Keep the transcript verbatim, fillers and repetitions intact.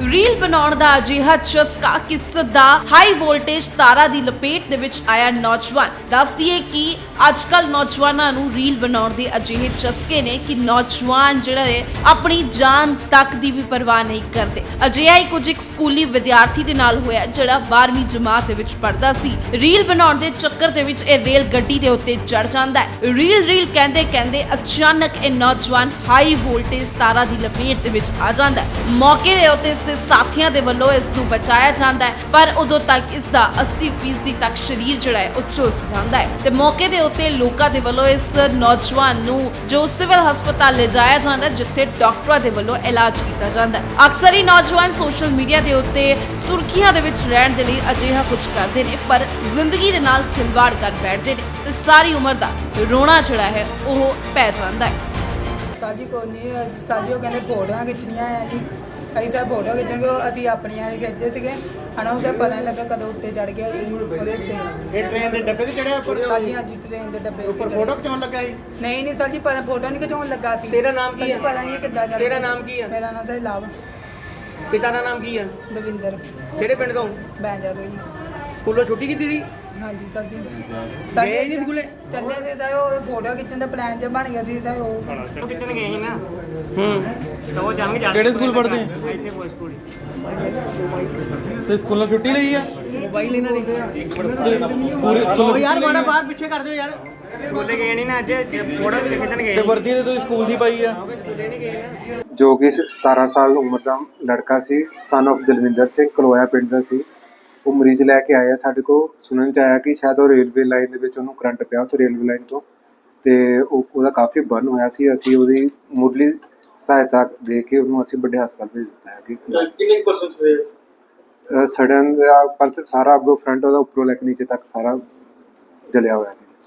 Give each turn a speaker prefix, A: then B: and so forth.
A: Reel ਬਣਾਉਣ ਦਾ ਅਜਿਹਾ ਚਸਕਾ ਕਿ ਸਿੱਧਾ ਹਾਈ ਵੋਲਟੇਜ ਤਾਰਾਂ ਦੀ ਲਪੇਟ ਦੇ ਵਿੱਚ ਆਇਆ ਨੌਜਵਾਨ। ਦੱਸ ਦਈਏ ਕਿ ਅੱਜ ਕੱਲ ਨੌਜਵਾਨਾਂ ਨੂੰ ਰੀਲ ਬਣਾਉਣ ਦੇ ਅਜਿਹੇ ਚਸਕੇ ਨੇ ਕਿ ਨੌਜਵਾਨ ਜਿਹੜਾ ਹੈ ਆਪਣੀ ਜਾਨ ਤੱਕ ਦੀ ਵੀ ਪਰਵਾਹ ਨਹੀਂ ਕਰਦੇ। ਅਜਿਹਾ ਹੀ ਕੁਝ ਇੱਕ ਸਕੂਲੀ ਵਿਦਿਆਰਥੀ ਦੇ ਨਾਲ ਹੋਇਆ ਜਿਹੜਾ ਬਾਰ੍ਹਵੀਂ ਜਮਾਤ ਦੇ ਵਿੱਚ ਪੜ੍ਹਦਾ ਸੀ। ਰੀਲ ਬਣਾਉਣ ਦੇ ਚੱਕਰ ਦੇ ਵਿੱਚ ਇਹ ਰੇਲ ਗੱਡੀ ਦੇ ਉੱਤੇ ਚੜ ਜਾਂਦਾ ਹੈ। ਰੀਲ ਰੀਲ ਕਹਿੰਦੇ ਕਹਿੰਦੇ ਅਚਾਨਕ ਇਹ ਨੌਜਵਾਨ ਹਾਈ ਵੋਲਟੇਜ ਤਾਰਾਂ ਦੀ ਲਪੇਟ ਦੇ ਵਿੱਚ ਆ ਜਾਂਦਾ ਹੈ। ਮੌਕੇ ਦੇ ਉੱਤੇ ਇਸ ਦੇ ਸਾਥੀਆਂ ਦੇ ਵੱਲੋਂ ਇਸ ਨੂੰ ਬਚਾਇਆ ਜਾਂਦਾ ਹੈ, ਪਰ ਉਦੋਂ ਤੱਕ ਇਸ ਦਾ ਅੱਸੀ ਫੀਸਦੀ ਤੱਕ ਸਰੀਰ ਜਿਹੜਾ ਹੈ ਉਹ ਝੁਲਸ ਜਾਂਦਾ ਹੈ ਤੇ ਮੌਕੇ ਦੇ ਉੱਤੇ ਲੋਕਾਂ ਦੇ ਵੱਲੋਂ ਇਸ ਨੌਜਵਾਨ ਨੂੰ ਜੋ ਸਿਵਲ ਹਸਪਤਾਲ ਲਿਜਾਇਆ ਜਾਂਦਾ ਹੈ, ਜਿੱਥੇ ਡਾਕਟਰਾਂ ਦੇ ਵੱਲੋਂ ਇਲਾਜ ਕੀਤਾ ਜਾਂਦਾ ਹੈ। ਅਕਸਰ ਹੀ ਨੌਜਵਾਨ ਸੋਸ਼ਲ ਮੀਡੀਆ ਦੇ ਉੱਤੇ ਸੁਰਖੀਆਂ ਦੇ ਵਿੱਚ ਰਹਿਣ ਦੇ ਲਈ ਅਜਿਹਾ ਕੁਝ ਕਰਦੇ ਨੇ, ਪਰ ਜ਼ਿੰਦਗੀ ਦੇ ਨਾਲ ਖਿਲਵਾੜ ਕਰ ਬੈਠਦੇ ਨੇ ਤੇ ਸਾਰੀ ਉਮਰ ਦਾ ਰੋਣਾ ਜਿਹੜਾ ਹੈ ਉਹ ਪੈ ਜਾਂਦਾ ਹੈ।
B: ਸਾਜੀ ਕੋਈ ਨਹੀਂ, ਸਾਜੀ ਉਹ ਕਹਿੰਦੇ ਫੋਟੋਆਂ ਖਿੱਚਣੀਆਂ ਆ ਜੀ। ਅਸੀਂ ਸਭ ਫੋਟੋ ਖਿੱਚਣਗੇ, ਅਸੀਂ ਆਪਣੀਆਂ ਖਿੱਚਦੇ ਸੀਗੇ ਹਨਾ। ਉਹ ਪਤਾ ਨਹੀਂ ਲੱਗਾ ਕਦੋਂ ਉੱਤੇ ਚੜ ਗਿਆ ਜੀ ਉਹਦੇ ਉੱਤੇ।
C: ਇਹ ਟ੍ਰੇਨ ਦੇ ਡੱਬੇ ਤੇ ਚੜਿਆ ਉੱਪਰ?
B: ਸਾਜੀ ਹਾਂਜੀ ਟ੍ਰੇਨ ਦੇ ਡੱਬੇ
C: ਉੱਪਰ ਫੋਟੋ ਖਿਚਾਉਣ ਲੱਗਾ ਸੀ?
B: ਨਹੀਂ ਨਹੀਂ ਸਾਜੀ ਪਤਾ ਫੋਟੋ ਨਹੀਂ ਖਿਚਾਉਣ ਲੱਗਾ ਸੀ।
C: ਤੇਰਾ ਨਾਮ ਕੀ ਹੈ?
B: ਪਤਾ ਨਹੀਂ ਕਿੱਦਾਂ ਚੜ
C: ਤੇਰਾ ਨਾਮ ਕੀ ਹੈ?
B: ਮੇਰਾ ਨਾਮ ਸਾਜੀ ਲਾਭ
C: ਪਿਤਾ ਦਾ ਨਾਮ ਕੀ ਹੈ?
B: ਦਵਿੰਦਰ
C: ਕਿਹੜੇ ਪਿੰਡ ਤੋਂ?
B: ਬੈਂਜਾ ਤੋਂ ਜੀ।
C: ਸਕੂਲੋਂ ਛੁੱਟੀ ਕੀਤੀ ਸੀ?
B: ਹਾਂਜੀ ਸਾਜੀ
C: ਗਏ ਨਹੀਂ ਸਕੂਲੇ?
B: ਚੱਲੇ ਸੀ ਸਾਰੇ, ਉਹ ਫੋਟੋ ਖਿੱਚਣ ਦਾ ਪਲਾਨ ਜਿਹਾ ਬਣ ਗਿਆ ਸੀ ਸਾਰੇ। ਉਹ
D: ਖਿੱਚਣ ਗਏ ਸੀ ਨਾ
C: ਹੂੰ
D: ਤਾਂ ਉਹ ਜੰਗ ਜਾ
E: ਕਿਹੜੇ ਸਕੂਲ ਪੜ੍ਹਦੇ ਆ?
D: ਇੱਥੇ ਕੋਈ ਸਕੂਲ
E: ਤੇ ਸਕੂਲੋਂ ਛੁੱਟੀ ਲਈ ਆ?
C: ਮੋਬਾਈਲ ਇਹਨਾਂ ਨੇ
E: ਪੂਰੇ
C: ਉਹ
E: ਸਕੂਲ
C: ਯਾਰ ਮਾੜਾ ਬਾਹਰ ਪਿੱਛੇ ਕਰ ਦਿਓ ਯਾਰ।
D: ਸਕੂਲੇ ਗਏ ਨਹੀਂ ਨਾ ਅੱਜ ਫੋਟੋ ਵੀ ਖਿੱਚਣ ਗਏ
E: ਤੇ ਵਰਦੀ ਤੇ ਤੁਸੀਂ ਸਕੂਲ ਦੀ ਪਾਈ ਆ?
D: ਸਕੂਲੇ ਨਹੀਂ ਗਏ ਨਾ।
F: ਜੋ ਕਿ ਸਤਾਰਾਂ ਸਾਲ ਉਮਰ ਦਾ ਲੜਕਾ ਸੀ, ਸਨ ਆਫ ਦਲਵਿੰਦਰ ਸਿੰਘ, ਕਲੋਇਆ ਪਿੰਡ ਦਾ ਸੀ। ਉਹ ਮਰੀਜ਼ ਲੈ ਕੇ ਆਇਆ ਸਾਡੇ ਕੋਲ। ਸੁਣਨ ਚ ਆਇਆ ਕਿ ਸ਼ਾਇਦ ਉਹ ਰੇਲਵੇ ਲਾਈਨ ਦੇ ਵਿੱਚ ਉਹਨੂੰ ਕਰੰਟ ਪਿਆ ਉੱਥੇ ਰੇਲਵੇ ਲਾਈਨ ਤੋਂ, ਤੇ ਉਹ ਉਹਦਾ ਕਾਫੀ ਬਰਨ ਹੋਇਆ ਸੀ। ਅਸੀਂ ਉਹਦੀ ਮੁੱਢਲੀ ਸਹਾਇਤਾ ਦੇ ਕੇ ਉਹਨੂੰ ਅਸੀਂ ਵੱਡੇ ਹਸਪਤਾਲ ਭੇਜ ਦਿੱਤਾ ਹੈ। ਕਿ
E: ਕਿੰਨੇ ਪਰਸੈਂਟ ਹੋਏ?
F: ਸੜਨ ਦਾ ਪਰ ਸਾਰਾ ਅੱਗੋਂ ਫਰੰਟ ਉਹਦਾ ਉੱਪਰੋਂ ਲੈ ਕੇ ਨੀਚੇ ਤੱਕ ਸਾਰਾ ਜਲਿਆ ਹੋਇਆ ਸੀ।